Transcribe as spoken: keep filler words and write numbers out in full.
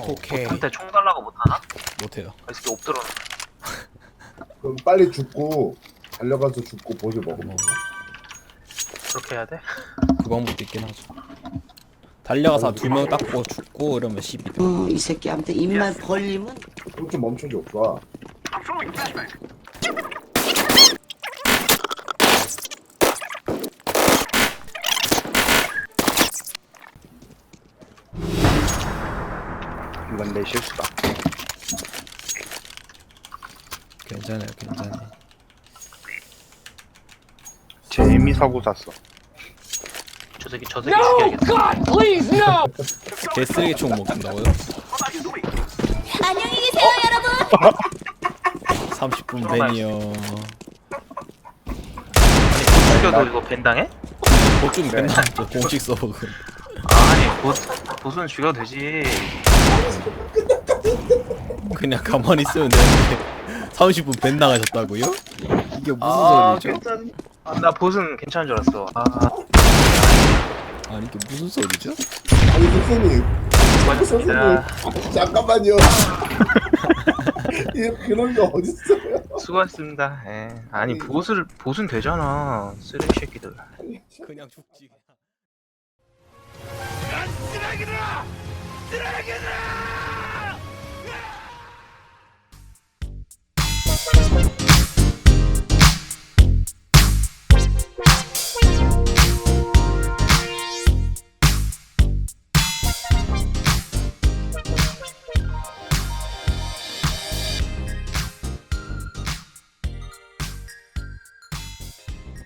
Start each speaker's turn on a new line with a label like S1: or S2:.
S1: 오케이.
S2: 한테 총 달라고 못하나?
S1: 못해요.
S2: 이 새끼 엎드려.
S3: 그럼 빨리 죽고 달려가서 죽고 보스 먹으면 돼.
S2: 그렇게 해야 돼?
S1: 그 방법도 있긴 하죠. 달려가서 두 명 닦고 죽고 이러면 십이 돼.
S4: 어, 이 새끼한테 입만 벌리면
S3: 그럼 좀 멈춰줘 오빠.
S2: 이건 내 실수다.
S1: 괜찮아요, 괜찮아요.
S5: 재미 사고 샀어.
S2: 저 새끼 저 새끼 죽여야겠다.
S1: 개쓰레기 총 먹는다고요?
S6: 안녕히 계세요, 여러분.
S1: 삼십 분 벤이요.
S2: 아니 죽여도 이거 벤당해?
S1: 보충 맨날 또 공식 서버.
S2: 아니 보 보수는 죽여도 되지.
S1: 그냥 가만히 있으면 되는데 삼십 분 벤 나가셨다고요? 이게 무슨
S2: 아
S1: 소리죠?
S2: 괜찮. 아, 나 보수는 괜찮은 줄 알았어. 아
S1: 아니 이게 무슨 소리죠?
S3: 아니 선생님.
S2: 수고하셨습니다.
S3: 선생님. 잠깐만요. 이 그런 게 어딨어요?
S2: 수고하셨습니다. 예. 아니 보수를 보수는 되잖아. 쓰레기 새끼들.
S1: 그냥 죽지.
S7: 쓰레기들아! 쓰레기들아!